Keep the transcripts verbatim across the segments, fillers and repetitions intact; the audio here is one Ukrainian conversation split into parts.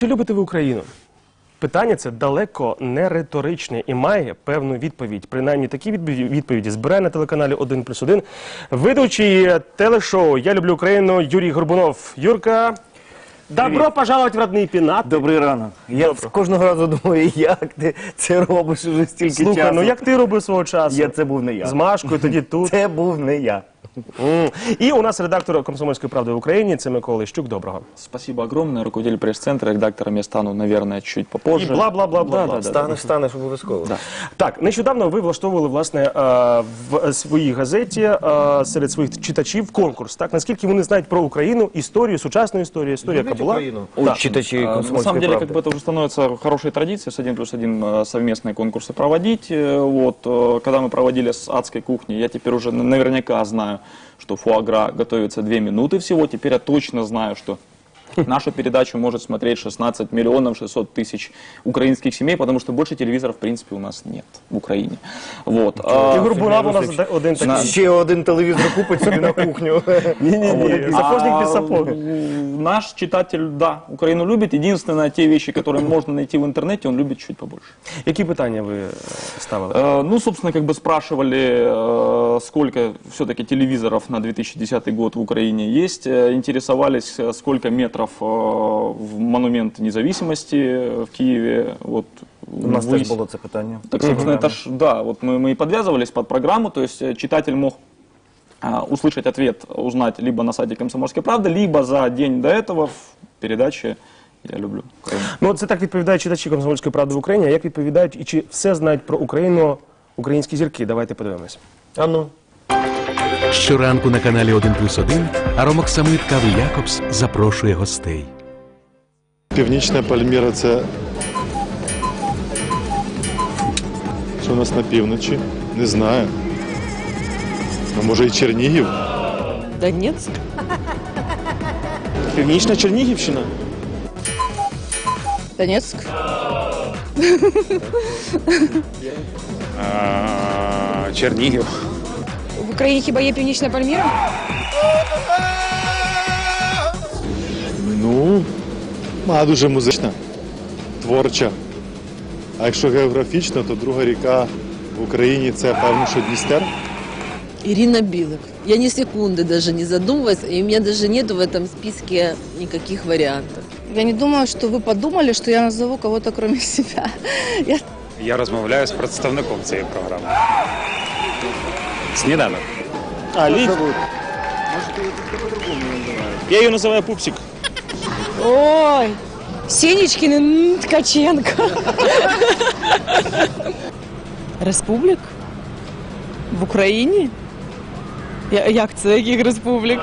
Чи любите ви Україну? Питання це далеко не риторичне і має певну відповідь. Принаймні такі відповіді збирає на телеканалі один плюс один ведучий телешоу «Я люблю Україну» Юрій Горбунов. Юрка, добро Привіт. пожаловать в родний пенат. Добрий ранок. Я Добро. кожного разу думаю, як ти це робиш уже стільки Слухай, часу. ну як ти робив свого часу? Я, це був не я. З Машкою, тоді тут. Це був не я. Mm. І у нас редактор «Комсомольської правди» в Україні, це Микола Ищук. Доброго. Спасибо огромное. Руководитель пресс-центра, редактором я стану, наверное, чуть попозже. І бла-бла-бла-бла. Да, да, да, станеш, станеш обов'язково. Да. Так, нещодавно ви влаштовували, власне, в своїй газеті серед своїх читачів конкурс. Так, наскільки вони знають про Україну, історію, сучасну історію, історію, яка була? О, да. Читачи «Комсомольской На самом деле, правды». как бы это уже становится хорошей традицией, с один плюс один совместные конкурсы проводить. Вот, когда мы проводили с «Адской кухни», я теперь уже наверняка знаю, что фуагра готовится две минуты всего. Теперь я точно знаю, что нашу передачу может смотреть шестнадцать миллионов шестьсот тысяч украинских семей, потому что больше телевизоров, в принципе, у нас нет в Украине. Вот. І Горбунов у нас один такий. Ще один телевізор купить собі на кухню. Ні-ні-ні, сапожник без сапог. Наш читатель, да, Украину любит. Единственное, те вещи, которые можно найти в интернете, он любит чуть побольше. Які питання ви ставили? Э, ну, собственно, как бы спрашивали, э, сколько все-таки телевизоров на две тысячи десятый год в Украине есть. Э, интересовались, сколько метров э, в монумент независимости в Киеве. Вот, У нас выяс... теж було це питання. Так, собственно, это ж, да, вот мы, мы и подвязывались под программу, то есть читатель мог а, услышать ответ, узнать либо на сайте «Комсомольской правды», либо за день до этого в передаче «Я люблю Україну». Ну, це так відповідають читачі «Комсомольської правди» в Україні, а як відповідають і чи все знають про Україну українські зірки? Давайте подивимось. А ну. Щоранку на каналі один плюс один аромоксамит кави «Якобс» запрошує гостей. Північна Пальміра – це що у нас на півночі? Не знаю. А може і Чернігів? Донецк. Північна Чернігівщина? Донецк. Чернігів. В Україні хіба є Північна Пальміра? Ну, вона дуже музична, творча. А якщо географічно, то друга ріка в Україні – це, певно, що Дністер. Ирина Билык. Я ни секунды даже не задумывалась, и у меня даже нету в этом списке никаких вариантов. Я не думаю, що ви подумали, що я назову кого-то кроме себя. Я... Я розмовляю з представником цієї програми. Сніданок. А, Лід? Я її називаю Пупсик. Ой, Сенечкин Ткаченко. Республік? В Україні? Я, як це? Яких республік?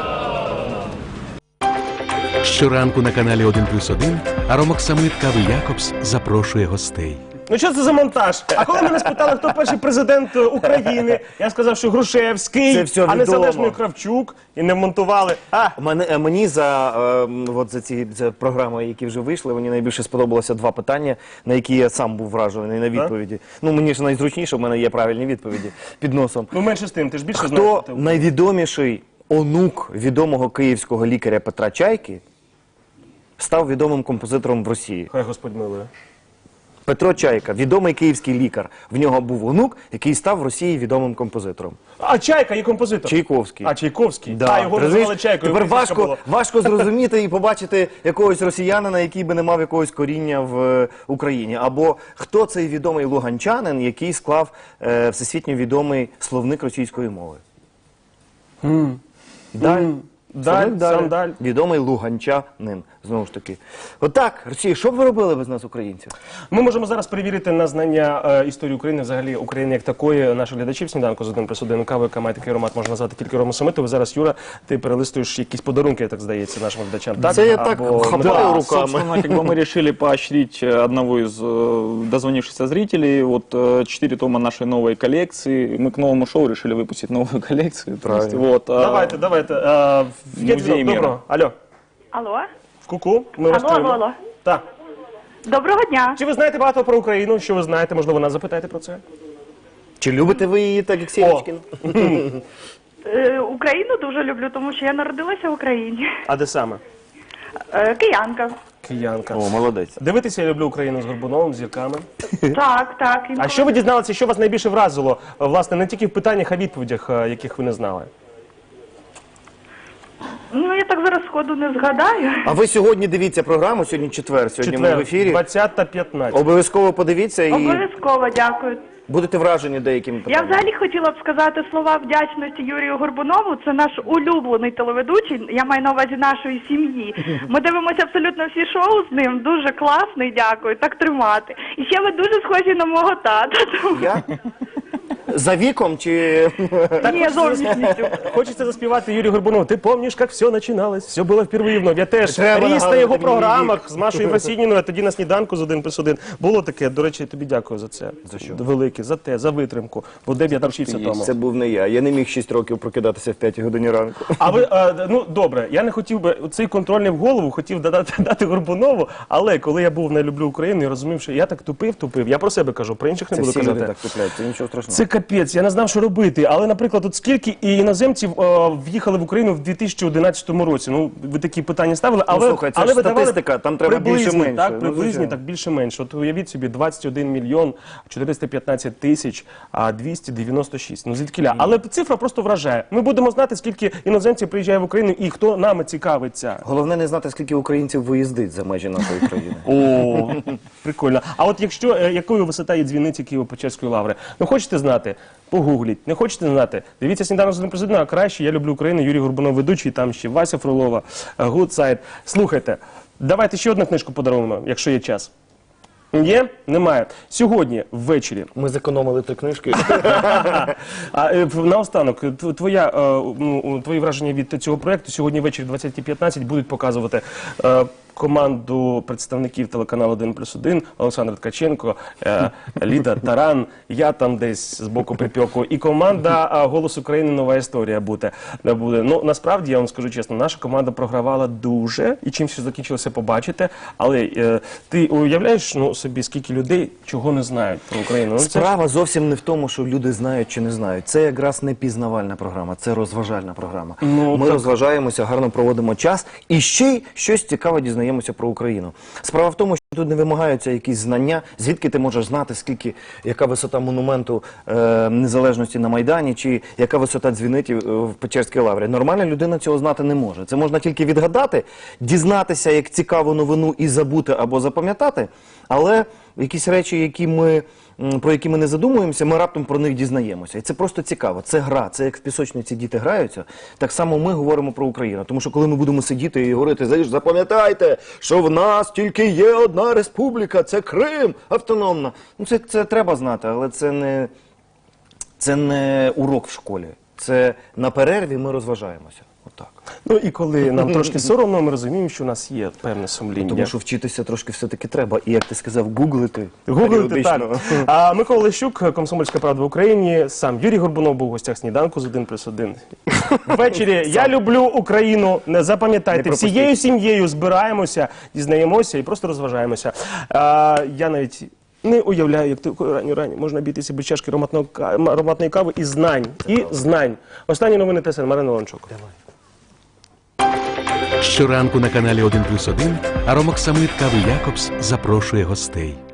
Щоранку на каналі один плюс один аромоксамит кави «Якобс» запрошує гостей. Ну що це за монтаж? А коли мене спитали, хто перший президент України, я сказав, що Грушевський, Це все а відомо. незалежний Кравчук, і не монтували. А, Мене, мені за, е, от за ці за програми, які вже вийшли, мені найбільше сподобалося два питання, на які я сам був вражений на відповіді. Ну, мені ж найзручніше, в мене є правильні відповіді під носом. ну менше з тим, ти ж більше знаєш. Хто найвідоміший онук відомого київського лікаря Петра Чайки став відомим композитором в Росії? Хай Господь милує. Петро Чайка, відомий київський лікар. В нього був онук, який став в Росії відомим композитором. А Чайка є композитор. Чайковський. А, Чайковський. Да. А, його називали Чайкою. Тепер прізвисько важко, було. важко зрозуміти і побачити якогось росіянина, який би не мав якогось коріння в е, Україні. Або хто цей відомий луганчанин, який склав е, всесвітньо відомий словник російської мови. Mm. Даль. Mm. Даль, Словник Даля. сам Даль. Відомий луганчанин. Знову ж таки. Отак, Росія, що б ви робили без нас, українців? Ми можемо зараз перевірити на знання е, історії України, взагалі України як такої, наших глядачів сніданку з один плюс один кави, яка має такий аромат, можна назвати тільки Ромосамитову. Зараз, Юра, ти перелистуєш якісь подарунки, я так здається, нашим глядачам. Так? Це я так Або хапаю медалі. руками. Собственно, как бы мы решили поощрить одного из э, дозвонившихся зрителей. Вот э, четыре тома нашей новой коллекции. Мы к новому шоу решили выпустить новую коллекцию. То есть, вот, э, Давайте, давайте. Е, є Музей дзвінок. міра. Доброго. Алло. Алло. В ку-ку. Ми вас Алло, чуємо. алло, алло. Так. Доброго дня. Чи ви знаєте багато про Україну? Що ви знаєте? Можливо, нас запитаєте про це? Чи любите ви її так, як Сєнічкін? Е, Україну дуже люблю, тому що я народилася в Україні. А де саме? Е, Киянка. Киянка. О, молодець. Дивитися я люблю Україну з Горбуновим, з зірками. Так, так. А інколи- що ви дізналися, що вас найбільше вразило, е, власне, не тільки в питаннях, а відповідях, е, яких ви не знали? Ну, я так зараз сходу не згадаю. А ви сьогодні дивіться програму, сьогодні четвер, сьогодні ми в Четвер, ефірі. двадцята п'ятнадцять. Обов'язково подивіться і Обов'язково дякую. будете вражені деякими Я питаннями. взагалі хотіла б сказати слова вдячності Юрію Горбунову. Це наш улюблений телеведучий. Я маю на увазі нашої сім'ї. Ми дивимося абсолютно всі шоу з ним. Дуже класний, дякую. Так тримати. І ще ви дуже схожі на мого тата. Тому- Я? За віком чи... Ні, зовнішністю. Хочеться заспівати Юрію Горбунову. Ти пам'ятаєш, як все починалось? Все було впервые вновь. Я теж Треба ріс на нагадувати його мені програмах з Машою Васініною, а тоді на сніданку з один плюс один. Було таке. До речі, тобі дякую за це. За що? Велике, за те, за витримку. Бо де б я навчився тому. Це був не я. Я не міг шість років прокидатися в п'ятій годині ранку. А ви, е, ну добре, я не хотів би цей контрольний в голову, хотів додати дати Горбунову, але коли я був на «Люблю Україну» і розумів, що я так тупив, тупив, я про себе кажу, про інших не Це буду всі люди казати. так тупляють, це нічого страшного. Це капець, я не знав, що робити. Але, наприклад, от скільки і іноземців е, в'їхали в Україну в дві тисячі одинадцятому році? Ну, ви такі питання ставили, але, слухай, це але ж ви давали статистика, там треба приблизні, більше-менше. Так, Ну, приблизні, звичайно. так більше-менше. От уявіть собі, двадцять один мільйон чотириста п'ятнадцять тисяч, а двісті дев'яносто шість. Ну, звідкіля. Але цифра просто вражає. Ми будемо знати, скільки іноземців приїжджає в Україну і хто нами цікавиться. Головне не знати, скільки українців виїздить за межі нашої країни. О, прикольно. А от якщо, е, якою висота є дзвіниці Києво-Печерської лаври? Ну, хочете знати? Погугліть. Не хочете знати? Дивіться «Сніданок з один плюс один», а краще «Я люблю Україну», Юрій Горбунов ведучий, там ще Вася Фролова, Гудсайд. Слухайте, давайте ще одну книжку подаруємо, якщо є час. Є? Немає. Сьогодні ввечері. Ми зекономили три книжки. А е, в- наостанок, тв- твоя, е, ну, твої враження від цього проєкту сьогодні ввечері в двадцятій п'ятнадцять будуть показувати е, команду представників телеканалу один плюс один, Олександр Ткаченко, е, Ліда Таран, я там десь з боку припеку, і команда е, «Голос України. Нова історія» буде. Не буде. Ну, насправді, я вам скажу чесно, наша команда програвала дуже, і чим все закінчилося, побачите. Але е, ти уявляєш, ну, собі, скільки людей чого не знають про Україну? Ну, це ж- Справа зовсім не в тому, що люди знають чи не знають. Це якраз не пізнавальна програма, це розважальна програма. Ну, Ми так. розважаємося, гарно проводимо час і ще й щось цікаве дізнаємося про Україну. Справа в тому, що тут не вимагаються якісь знання, звідки ти можеш знати, скільки, яка висота монументу е, незалежності на Майдані, чи яка висота дзвінитів е, в Печерській лаврі. Нормальна людина цього знати не може. Це можна тільки відгадати, дізнатися як цікаву новину і забути або запам'ятати, але якісь речі, які ми, м, про які ми не задумуємося, ми раптом про них дізнаємося. І це просто цікаво. Це гра. Це як в пісочниці діти граються. Так само ми говоримо про Україну. Тому що коли ми будемо сидіти і говорити, «Знаєш, запам'ятайте, що в нас тільки є одна республіка, це Крим, автономна». Ну це, це треба знати, але це не, це не урок в школі. Це на перерві ми розважаємося. Отак. Ну і коли нам трошки соромно, ми розуміємо, що у нас є певне сумління. Тому що вчитися трошки все-таки треба. І як ти сказав, гуглити. Гуглити, так. періодично. А Микола Лещук, «Комсомольська правда» в Україні, сам Юрій Горбунов був у гостях «Сніданку» з один плюс один. Ввечері «Я люблю Україну». Не запам'ятайте, Не пропустіть. всією сім'єю збираємося, дізнаємося і просто розважаємося. А, я навіть не уявляю, як такою ранньою рані можна обійтися без чашки ароматного ка- ароматної кави і знань. І знань. Останні новини ТСН. Марина Лончук. Щоранку на каналі один плюс один Аромок Самит Кави Якобс запрошує гостей.